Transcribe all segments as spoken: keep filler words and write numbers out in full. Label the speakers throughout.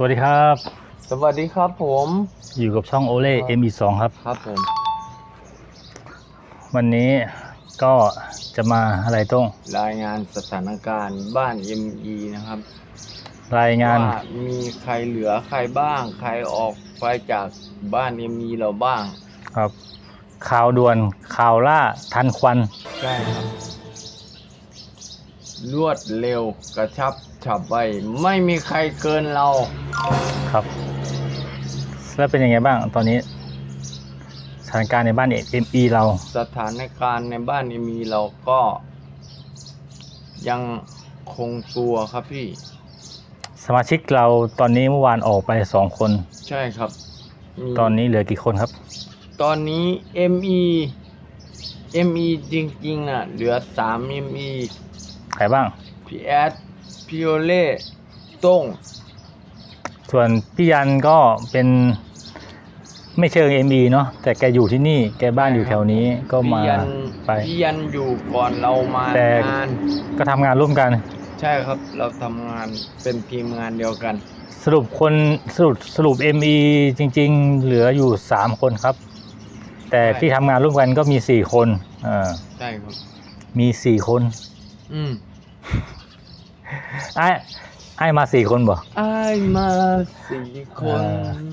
Speaker 1: วัสดีครับ
Speaker 2: สวัสดีครับผม
Speaker 1: อยู่กับช่องโอเล่ เอ็ม อี สอง ครับ
Speaker 2: ครับผม
Speaker 1: วันนี้ก็จะมาอะไรต้อง
Speaker 2: รายงานสถานการณ์บ้าน เอ็ม อี นะครับ
Speaker 1: รายงาน
Speaker 2: ว่ามีใครเหลือใครบ้างใครออกไปจากบ้าน เอ็ม อี เราบ้าง
Speaker 1: ครับข่าวด่วนข่าวล่าทันควัน
Speaker 2: ใช่ครับรวดเร็วกระชับฉับไวไม่มีใครเกินเรา
Speaker 1: ครับแล้วเป็นยังไงบ้างตอนนี้สถานการณ์ในบ้าน เอ็ม อี เรา
Speaker 2: สถานการณ์ในบ้าน เอ็ม อี เราก็ยังคงตัวครับพี่
Speaker 1: สมาชิกเราตอนนี้เมื่อวานออกไปสองคน
Speaker 2: ใช่ครับ
Speaker 1: ตอนนี้เหลือกี่คนครับ
Speaker 2: ตอนนี้ เอ็ม อี เอ็ม อี จริงๆอ่ะเหลือสาม เอ็ม อี
Speaker 1: ใครบ้าง
Speaker 2: พี่แอดพี่โอเล่ต้ง
Speaker 1: ส่วนพี่ยันก็เป็นไม่เชิง เอ็ม อี เนาะแต่แกอยู่ที่นี่แกบ้านอยู่แถวนี้ก็มาไป
Speaker 2: พี่ยันอยู่ก่อนเรามา
Speaker 1: แต่ก็ทำงานร่วมกัน
Speaker 2: ใช่ครับเราทำงานเป็นทีมงานเดียวกัน
Speaker 1: สรุปคนสรุปสรุป เอ็ม อี จริงๆเหลืออยู่สามคนครับแต่ที่ทำงานร่วมกันก็มีสี่คนอ่า
Speaker 2: ใช่ครับ
Speaker 1: มีสี่คน
Speaker 2: อืม
Speaker 1: ไอ้ไอ้มาสี่คนบ่
Speaker 2: ไอ้มาสี่คน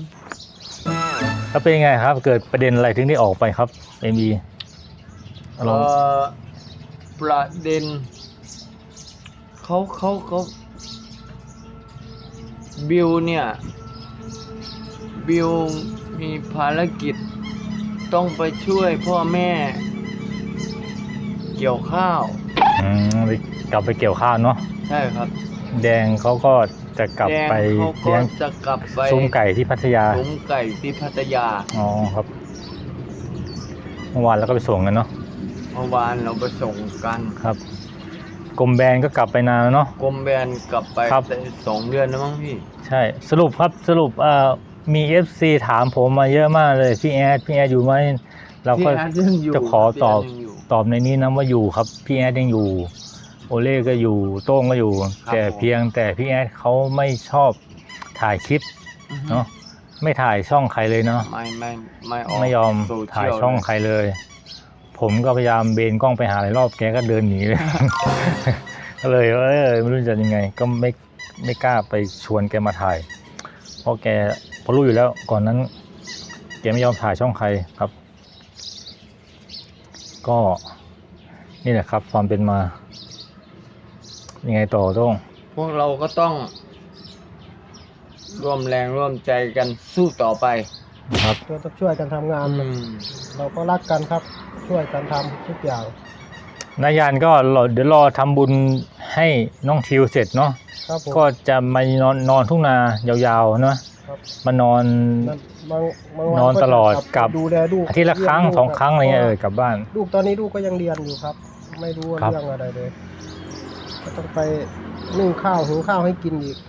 Speaker 1: แล้วเป็นยังไงครับเกิดประเด็นอะไรถึงได้ออกไปครับ เอ็ม อี
Speaker 2: เอ่อประเด็นเขาเขาเขาบิวเนี่ยบิวมีภารกิจต้องไปช่วยพ่อแม่เกี่ยวข้าว
Speaker 1: อืมกลับไปเกี่ยวข้าวเนาะ
Speaker 2: ใช่ครับ
Speaker 1: แดงเขาก็จะกลับไป
Speaker 2: เลี้ยงจะกลับไป
Speaker 1: ซุ้มไก่ที่พัทยา
Speaker 2: ซุ้มไก่ที่พัทยา
Speaker 1: อ๋อครับเมื่อวานเราก็ไปส่งกันเนาะ
Speaker 2: เมื่อวานเราไปส่งกัน
Speaker 1: ครับกรมแบนก็กลับไปนานแล้วเนาะ
Speaker 2: กรมแบนกลับไปสองเดือนแล้วมั้งพี่
Speaker 1: ใช่สรุปครับสรุปเอ่อมี เอฟ ซี ถามผมมาเยอะมากเลยพี่แอดพี่แอดอยู่ไหมเราก็จะขอตอบตอบในนี้นะว่าอยู่ครับพี่แอดยังอยู่โอเล่ก็อยู่โต้งก็อยู่แต่เพียงแต่พี่แอดเขาไม่ชอบถ่ายคลิปเนาะไม่ถ่ายช่องใครเลยเนาะ
Speaker 2: ไม่ไม่ไม่
Speaker 1: ไม่ยอมถ่ายช่องใครเลยผมก็พยายามเบนกล้องไปหาหลายรอบแกก็เดินหนีเลยก็เลยเออไม่รู้จะยังไงก็ไม่ไม่กล้าไปชวนแกมาถ่ายเพราะแกพอรู้อยู่แล้วก่อนนั้นแกไม่ยอมถ่ายช่องใครครับก็นี่แหละครับความเป็นมายังไงต่อต้อง
Speaker 2: พวกเราก็ต้องร่วมแรงร่วมใจกันสู้ต่อไป
Speaker 1: ครับ
Speaker 3: เราต้องช่วยกันทำงานเราก็รักกันครับช่วยกันทำทุกอย่าง
Speaker 1: นายานก็เดี๋ยวรอทำบุญให้น้องทิวเสร็จเนาะก็จะมานอนนอนทุ่งนายาวๆเนาะมานอนนอนตลอดกับอาทิตย์ละครั้งสองครั้งอะไรเงี้ยเออกลับบ้าน
Speaker 3: ลูกตอนนี้ลูกก็ยังเรียนอยู่ครับไม่รู้เรื่องอะไรเลยก็ต้องไปนึ่งข้าวหุงข้าวให้กินอีก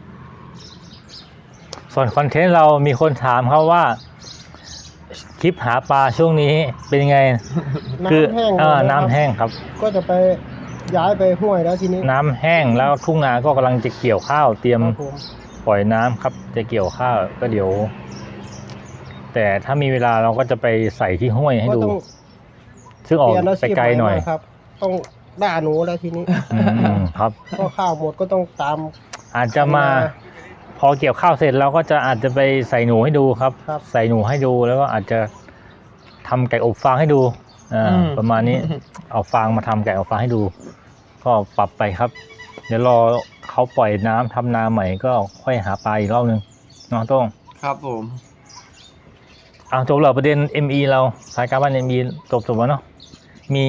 Speaker 1: ส่วนคอนเทนต์เรามีคนถามเขาว่าคลิปหาปลาช่วงนี้เป็นยังไงคือน้ำแห้งครับ
Speaker 3: ก็จะไปย้ายไปห้วยแล้วทีนี้
Speaker 1: น้ำแห้งแล้วทุ่งนาก็กำลังจะเกี่ยวข้าวเตรียมปล่อยน้ำครับจะเกี่ยวข้าวก็เดี๋ยวแต่ถ้ามีเวลาเราก็จะไปใส่ที่ห้วยให้ดูซึ่งออกไปไกลหน่อย
Speaker 3: ครับต้องด่าหนูแล้วทีนี้
Speaker 1: ครับ
Speaker 3: ก็ข้าวหมดก็ต้องตาม
Speaker 1: อาจจะมาพอเกี่ยวข้าวเสร็จเราก็จะอาจจะไปใส่หนูให้ดูครับใส่หนูให้ดูแล้วก็อาจจะทำไก่อบฟางให้ดูอ่าประมาณนี้เอาฟางมาทำไก่อบฟางให้ดูก็ปรับไปครับเดี๋ยวรอเขาปล่อยน้ำทำนาใหม่ก็ค่อยหาปลาอีกรอบนึงน้องต้อง
Speaker 2: ครับผม
Speaker 1: เอาจบแล้วประเด็น เอ็ม อี เราสายการบ้าน เอ็ม อี จบจบแล้วเนาะมี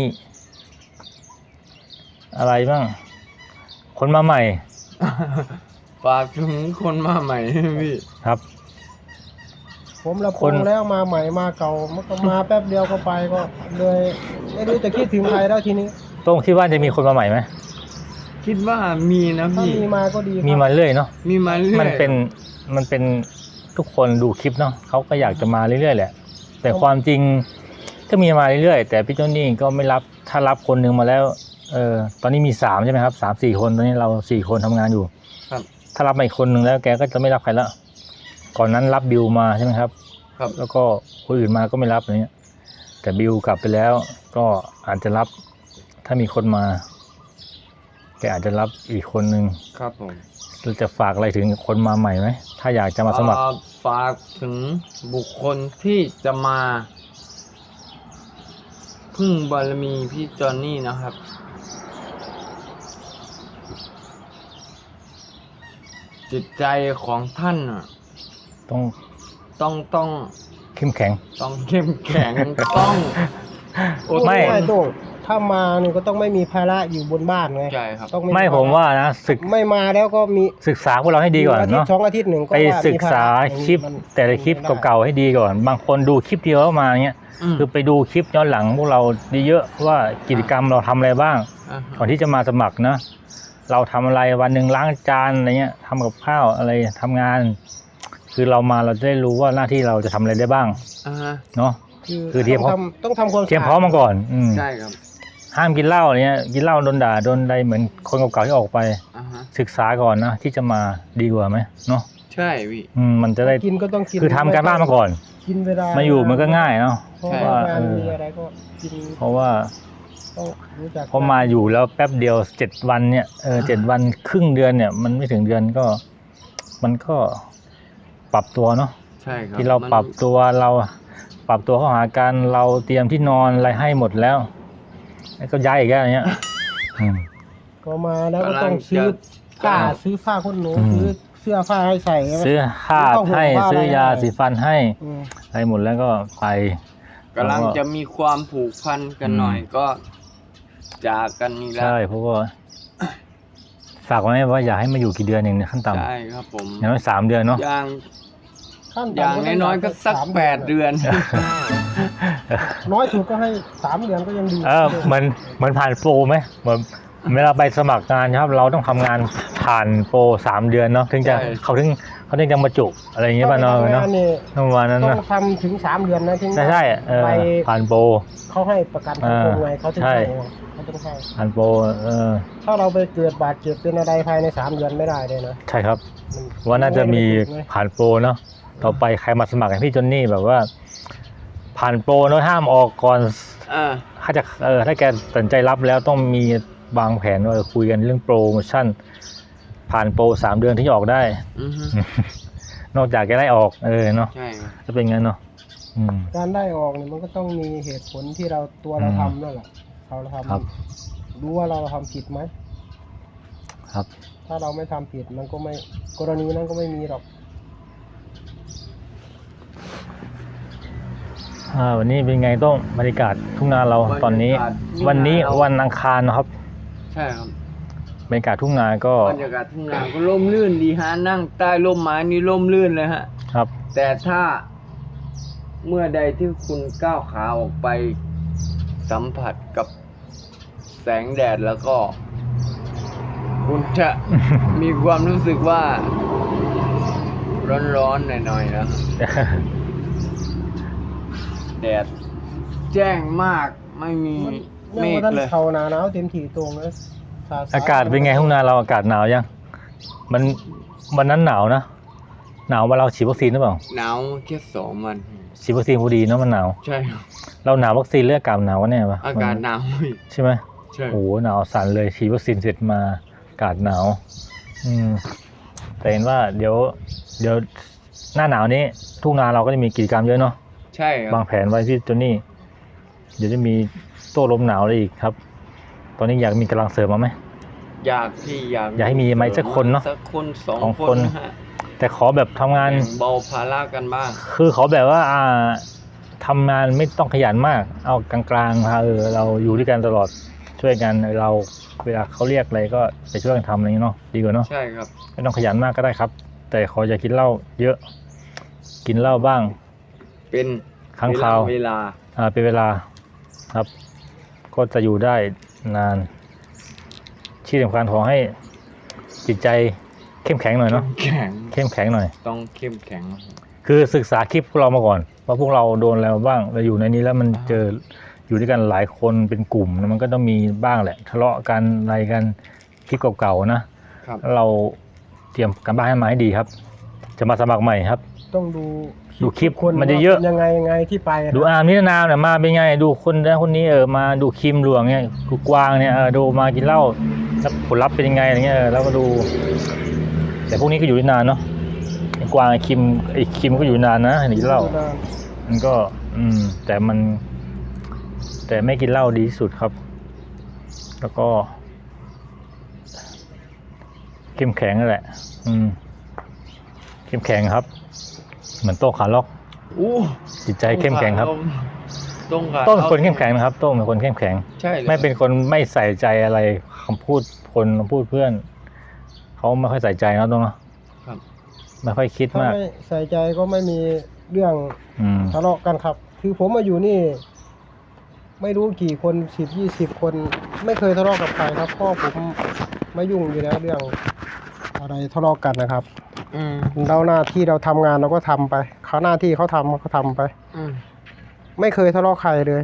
Speaker 1: อะไรบ้างคนมาใหม่
Speaker 2: ฝากถึงคนมาใหม่พี่
Speaker 1: ครับ
Speaker 3: ผมละคนแล้วมาใหม่มาเก่ามันก็มาแป๊บเดียวก็ไปก็เลยไม่รู้จะคิดถึงใครแล้วทีนี้
Speaker 1: ต้องคิดว่าจะมีคนมาใหม่ไหม
Speaker 2: คิดว่ามีนะพี่
Speaker 3: มีมาก็ดี
Speaker 1: มีมาเรื่อยเนาะ
Speaker 2: มีมาเรื่อย
Speaker 1: มันเป็นมันเป็นทุกคนดูคลิปเนาะเขาก็อยากจะมาเรื่อยๆแหละแต่ความจริงก็มีมาเรื่อยๆแต่พี่โจนี่ก็ไม่รับถ้ารับคนหนึ่งมาแล้วเออตอนนี้มีสามใช่ไหมครับสามสี่คนตอนนี้เราสี่คนทำงานอยู่
Speaker 2: ครับ
Speaker 1: ถ้ารับมาอีกคนหนึ่งแล้วแกก็จะไม่รับใครละก่อนนั้นรับบิวมาใช่ไหมครับ
Speaker 2: ครับ
Speaker 1: แล้วก็คนอื่นมาก็ไม่รับอะไรเงี้ยแต่บิวกลับไปแล้วก็อาจจะรับถ้ามีคนมาแกอาจจะรับอีกคนหนึ่ง
Speaker 2: ครับผม
Speaker 1: เราจะฝากอะไรถึงคนมาใหม่ไหมถ้าอยากจะมาสมัคร
Speaker 2: เอ่อฝากถึงบุคคลที่จะมาพึ่งบารมีพี่จอนนี่นะครับ จิตใจของท่านน่ะ
Speaker 1: ต้อง
Speaker 2: ต้องต้อง
Speaker 1: เข้มแข็ง
Speaker 2: ต้องเข้มแข็ง ต้องอดทน
Speaker 1: ไม่
Speaker 3: ไม่ต้องถ้ามาเนี่ยก็ต้องไม่มีภาระอยู่บนบ้านไง
Speaker 2: ใช่ครับ
Speaker 3: ต้อง
Speaker 1: ไม่ผมว่านะศึก
Speaker 3: ไม่มาแล้วก็มี
Speaker 1: ศึกษาพวกเราให้ดีก่อน
Speaker 3: อาทิต
Speaker 1: เนาะ
Speaker 3: ย์สองอาทิตย์หนึ่งก็
Speaker 1: ไป
Speaker 3: ว่า
Speaker 1: ศึก
Speaker 3: มีภระ
Speaker 1: ษาคลิป
Speaker 3: มัน
Speaker 1: แต่ละคลิป
Speaker 3: ไม่ได้
Speaker 1: เก่าๆให้ดีก่อน บางคนดูคลิปเดียวแล้วมาเงี้ย
Speaker 2: อืม
Speaker 1: คือไปดูคลิปย้อนหลังพวกเราดีเยอะว่ากิจกรรมเราทำอะไรบ้าง
Speaker 2: อ่าฮะ
Speaker 1: ก่อนที่จะมาสมัครนะเราทำอะไรวันหนึ่งล้างจานอะไรเงี้ยทำกับข้าวอะไรทำงาน คือเรามาเราจะได้รู้ว่าหน้าที่เราจะทำอะไรได้บ้าง
Speaker 2: อ่าฮะ
Speaker 1: เนาะ
Speaker 3: คือ
Speaker 1: คือเตรียม
Speaker 3: ต้องทำต้องทำความ
Speaker 1: เตรียมพร้อมมาก่อน อืม
Speaker 2: ใช่ครับ
Speaker 1: ห้ามกินเหล้าอะไรเงี้ยกินเหล้าโดนด่าโดนใดเหมือนคนเก่าๆที่ออกไป
Speaker 2: อ่าฮะ
Speaker 1: ศึกษาก่อนนะที่จะมาดีกว่าไหมเนาะ
Speaker 2: ใช่พี่
Speaker 1: อืมมันจะได้
Speaker 3: กินก็ต้องกิน
Speaker 1: คือทำการบ้านมาก่อน
Speaker 3: กินเวลา
Speaker 1: มา
Speaker 3: มา
Speaker 1: อยู่มันก็ง่ายเนาะ
Speaker 3: เพราะ
Speaker 2: ใช่
Speaker 3: ว่า
Speaker 1: ว่า
Speaker 3: งาน
Speaker 1: เออ
Speaker 3: มีอะไรก็กิน
Speaker 1: เพราะว่า
Speaker 3: ต้องรู้จัก
Speaker 1: พอมาอยู่แล้วแป๊บเดียวเจ็ดวันเนี่ยเออเจ็ดวันครึ่งเดือนเนี่ย มันไม่ถึงเดือนก็ มันก็ปรับตัวเนาะ
Speaker 2: ใช่ครับ
Speaker 1: ที่เรา
Speaker 2: มัน
Speaker 1: ปรับตัวเราปรับตัวเข้าหากันเราเตรียมที่นอนอะไรให้หมดแล้วแล้วก็ย้ายอีกแล้วอย่างเงี้ยอืม
Speaker 3: ก็มาแล้วก็ต้องซื้อผ้าซื้อผ้าขนหนู
Speaker 1: อืม
Speaker 3: ซื้อเสื้อผ้าให้ใส่ใช่ไหม
Speaker 1: ซื้อข้าวให้ซื้อยาสีฟันให้
Speaker 3: อืม
Speaker 1: อะไรหมดแล้วก็ไป
Speaker 2: กำลังจะมีความผูกพันกันหน่อย
Speaker 1: อืม
Speaker 2: ก็จากกันนี่แล้ว
Speaker 1: ใช่เพราะว่าฝากไว้ว่าอยากให้มาอยู่กี่เดือนเองเนี่ยขั้นต่ำ
Speaker 2: ใช่ครับผม
Speaker 1: อย่างน้อยสามเดือนเนาะ
Speaker 2: อย่าง
Speaker 3: ขั้น
Speaker 2: อย่าง
Speaker 3: ต่ำ
Speaker 2: น้อยๆก็สัก
Speaker 3: สาม
Speaker 2: แปดเดือน
Speaker 3: น้อยสุดก็ให้สามเดือนก็ยังดี
Speaker 1: เออเหมือนเหมือนผ่านโปรไหมเหมือนเวลาไปสมัครงานครับ เราต้องทำงานผ่านโปรสามเดือนเนาะถึงจะ
Speaker 2: ใช่
Speaker 1: เขาถึงเขาถึงจะมาจุอะไรอย่างเงี้ยป่ะเนาะ
Speaker 3: ถ้าไป
Speaker 1: เนาะ
Speaker 3: ทำงานนี่
Speaker 1: ประมาณนั้น
Speaker 3: ต้อ
Speaker 1: นะ
Speaker 3: งทำถึงสามเดือนนะถึง
Speaker 1: ใช่ใช่เออ
Speaker 3: ไป
Speaker 1: ผ่านโปร
Speaker 3: เขาให้ประกันสังคมไงเขาถึง
Speaker 1: ใช่
Speaker 3: ให้เขาต้องให้
Speaker 1: ผ่านโปรเออ
Speaker 3: ถ้าเราไปเกิดบาดเจ็บเป็นอะไรภายในสามเดือนไม่ได้เลยนะ
Speaker 1: ใช่ครับ
Speaker 3: มัน
Speaker 1: ว่าน่าจะมี
Speaker 3: ไไ
Speaker 1: ผ่านโปรเนาะต่อไปใครมาสมัครอย่างพี่จอนนี่แบบว่า ผ่านโปรเนาะห้ามออกก่อน
Speaker 2: อ่า
Speaker 1: ถ้าจะเออถ้าแกตัดสินใจรับแล้วต้องมีวางแผนว่าคุยกันเรื่องโปรโมชั่น ผ่านโปรสามเดือนที่จะออกได้
Speaker 2: อือฮึ
Speaker 1: นอกจากจะได้ออกเออเนาะ
Speaker 2: ใช่ครับ
Speaker 1: จะเป็นงั้นเนาะอืม
Speaker 3: การได้ออกเนี่ยมันก็ต้องมีเหตุผลที่เราตัวเรา
Speaker 1: อืม
Speaker 3: ทำนั่นแหละเราท
Speaker 1: ครับ
Speaker 3: ำรู้ว่าเราทำผิดไหม
Speaker 1: ครับ
Speaker 3: ถ้าเราไม่ทำผิดมันก็ไม่กรณีนั้นก็ไม่มีหรอก
Speaker 1: อ่าวันนี้เป็นไงต้องบรรยากาศทุ่งนาเราตอนนี้
Speaker 2: บรรยากาศทุ่งนา
Speaker 1: วันนี้
Speaker 2: เรา
Speaker 1: วันอังคารนะครับ
Speaker 2: ใช่ครับ
Speaker 1: บรรยากาศทุ่งนาก็
Speaker 2: บรรยากาศทุ่งนาก็ร่มรื่นดีฮะนั่งใต้ร่มไม้นี่ร่มรื่นเลยฮะ
Speaker 1: ครับ
Speaker 2: แต่ถ้าเมื่อใดที่คุณก้าวขาออกไปสัมผัสกับแสงแดดแล้วก็ คุณจะ มีความรู้สึกว่า ร้อนๆหน่อยๆนะแดดแจ้งมากไม่มี
Speaker 3: ยัง
Speaker 2: เม
Speaker 3: ว่า
Speaker 2: ฆ
Speaker 3: ท่าน
Speaker 2: เลย
Speaker 3: เขาหนาหนาวเต็มที่ตรงเลยสส
Speaker 1: อากาศเป็นไงทุ่งนาเราอากาศหนาวยังมันวันนั้นหนาวนะหนาวว่าเราฉีดวัคซีนหรือเปล่า
Speaker 2: หนาวแค่สองวัน
Speaker 1: ฉีดวัคซีนพอดีเนาะมันหนาว
Speaker 2: ใช่ครับ
Speaker 1: เราหนาววัคซีนเลือดอากาศหนาววะเนี่ยปะ
Speaker 2: อากาศหนาวอีก
Speaker 1: ใช่ไหม
Speaker 2: ใช่
Speaker 1: โอ้โหหนาวสั่นเลยฉีดวัคซีนเสร็จมาอากาศหนาว อืมแต่เห็นว่าเดี๋ยวเดี๋ยวหน้าหนาวนี้ทุ่งนาเราก็จะมีกิจกรรมเยอะเนาะ
Speaker 2: ใช่ครับ
Speaker 1: วางแผนไว้พี่โจนี่เดี๋ยวจะมีโต้ลมหนาวอะไรอีกครับ ตอนนี้อยากมีกำลังเสริมมาไหม
Speaker 2: อยากที่อยาก
Speaker 1: อยากให้มีไหมสักคนเนอะ
Speaker 2: สักคนสอง
Speaker 1: สอง
Speaker 2: ค
Speaker 1: คน น
Speaker 2: นะฮะ
Speaker 1: แต่ขอแบบทำงาน
Speaker 2: แบ่งเบาภาระกันบ้าง
Speaker 1: คือขอแบบว่าอ่าทำงานไม่ต้องขยันมาก เอากลางๆมาเออเราอยู่ด้วยกันตลอดช่วยกันเราเวลาเขาเรียกอะไรก็ไปช่วยกันทำอะไรอย่างเงี้ยเนาะดีกว่าเนาะ
Speaker 2: ใช่ครับ
Speaker 1: ไม่ต้องขยันมากก็ได้ครับ แต่ขออย่ากินเหล้าเยอะ กินเหล้าบ้าง
Speaker 2: เป็น
Speaker 1: ครั้งคราว
Speaker 2: เวลา
Speaker 1: อ่าเป็นเวลาครับ ก็จะอยู่ได้นานที่สำคัญขอให้จิตใจเข้มแข็งหน่อยเนาะ
Speaker 2: แข็ง
Speaker 1: เข้มแข็งหน่อย
Speaker 2: ต้องเข้มแข็ง
Speaker 1: คือศึกษาคลิปพวกเรามาก่อนว่าพวกเราโดนอะไรมาบ้างเราอยู่ในนี้แล้วมันเจออยู่ด้วยกันหลายคนเป็นกลุ่มมันก็ต้องมีบ้างแหละ ทะเลาะกันอะไรกันคลิปเก่าๆนะครับ แล้วเราเตรียมการบ้านให้มาให้ดีครับ จะมาสมัครใหม่ครับ
Speaker 3: ต้องดู
Speaker 1: ดูคลิป
Speaker 3: คน
Speaker 1: มันจะเยอะ
Speaker 3: ว่าป็นยังไงยังไงที่ไปอะ
Speaker 1: ดูอาร์มนิรนามเนี่ยมาเป็นไงดูคนนั้นคนนี้เออมาดูคิมหลวงเนี่ยกูกวางเนี่ยเออดูมากินเหล้าแล้วผลลัพธ์เป็นยังไงอะไรเงี้ยเออแล้วก็ดู แต่พวกนี้ก็อยู่ได้นานเนาะไอ้กวางไอ้คิมไอ้คิมก็อยู่นานนะหนีเหล้ามันก็ อืม แต่มัน แต่ไม่กินเหล้าดีที่สุดครับ แล้วก็เข้มแข็งนั่นแหละ อืมเข้มแข็งครับ เหมือนโต้ขาล็อก
Speaker 2: อู้
Speaker 1: จิตใจเข้มแข็งครับ
Speaker 2: ต้งขา
Speaker 1: โต้เป็นคนเข้มแข็งนะครับโต้เป็นคนเข้มแข็ง
Speaker 2: ใช่เลย
Speaker 1: ไม่เป็นคนไม่ใส่ใจอะไรคำพูดคนคำพูดเพื่อนเขาไม่ค่อยใส่ใจนะตรงเนาะ
Speaker 2: ครับ
Speaker 1: ไม่ค่อยคิดาก
Speaker 3: ถ้ามไม่ใส่ใจก็ไม่มีเรื่อง
Speaker 1: อืม
Speaker 3: ทะเลาะกันครับ คือผมมาอยู่นี่ ไม่รู้กี่คนสิบยี่สิบคน ไม่เคยทะเลาะกับใครครับเพ่อผมไม่ยุ่งอยู่แล้วเรื่องอะไรทะเลาะกันนะครับ
Speaker 2: อืม
Speaker 3: เราหน้าที่เราทำงานเราก็ทำไปเขาหน้าที่เขาทำเขาทำไป
Speaker 2: อืม
Speaker 3: ไม่เคยทะเลาะใครเลย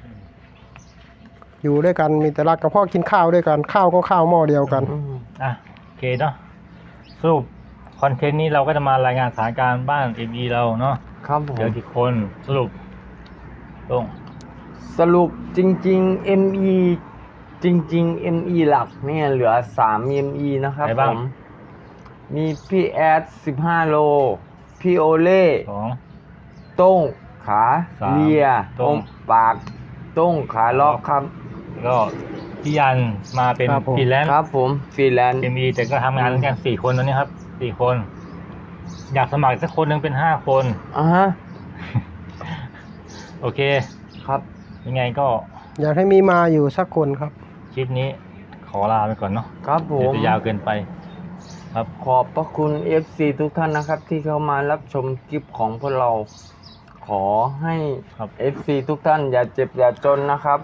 Speaker 3: อยู่ด้วยกันมีแต่รักกับพ่อกินข้าวด้วยกันข้าวก็ข้าวหม้อเดียวกัน
Speaker 2: อืม
Speaker 1: อ่ะโอเคเนาะสรุปคอนเทนต์นี้เราก็จะมารายงานสถานการณ์บ้าน เอ็ม อี เราเนาะ
Speaker 2: ครับผม
Speaker 1: เดี๋ยวกี่คนสรุปตรง
Speaker 2: สรุปจริงๆ เอ็ม อี จริงๆ เอ็ม อี หลักเนี่ยเหลือสาม เอ็ม อี นะครับ
Speaker 1: ไหน
Speaker 2: ผ
Speaker 1: บ้าง
Speaker 2: ม มีพี่แอดสิบห้าโล พี่โอเล่
Speaker 1: สอง
Speaker 2: ต้งขา
Speaker 1: สาม
Speaker 2: เลีย
Speaker 1: ต้ง
Speaker 2: อมปาก ต้งขาล็อกครับ
Speaker 1: แล้วก็พี่ยันมาเป็น
Speaker 3: ครับผม
Speaker 1: ฟรีแลนซ์
Speaker 2: ครับผมฟรีแลนซ์
Speaker 1: เอ็ม อี แต่ก็ทำงานกันสี่คนตอนนี้ครับสี่คน อยากสมัครสักคนหนึ่งเป็นห้าคน
Speaker 2: อ่าฮะ
Speaker 1: โอเค
Speaker 2: ครับ
Speaker 1: ยังไงก็
Speaker 3: อยากให้มีมาอยู่สักคนครับ
Speaker 1: คลิปนี้ขอลาไปก่อนเนาะ
Speaker 2: ครับผ
Speaker 1: เดี๋ยว
Speaker 2: ม
Speaker 1: จะยาวเกินไป ครับ
Speaker 2: ขอบพระคุณ เอฟ ซี ทุกท่านนะครับ ที่เข้ามารับชมคลิปของพวกเรา ขอให้
Speaker 1: ครับ
Speaker 2: เอฟ ซี ทุกท่านอย่าเจ็บอย่าจนนะครับ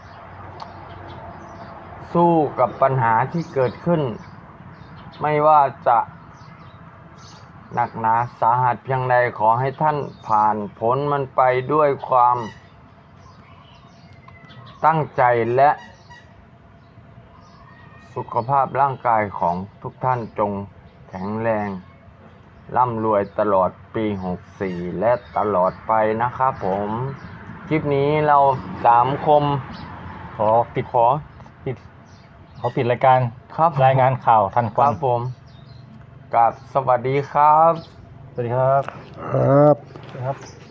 Speaker 2: สู้กับปัญหาที่เกิดขึ้น ไม่ว่าจะหนักหนาสาหัสเพียงใดขอให้ท่านผ่านพ้นมันไปด้วยความตั้งใจและสุขภาพร่างกายของทุกท่านจงแข็งแรงร่ำรวยตลอดปีหกสี่และตลอดไปนะครับผม คลิปนี้เราสามคม
Speaker 1: ขอปิด
Speaker 2: ขอ
Speaker 1: ปิดขอปิดรายการ
Speaker 2: ครับ
Speaker 1: รายงานข่าวทันค
Speaker 2: ค
Speaker 1: วั
Speaker 2: รั
Speaker 1: น
Speaker 2: บผมกับสวัสดีครับ
Speaker 1: สวัสดีครับ
Speaker 3: ครับ
Speaker 1: ครับ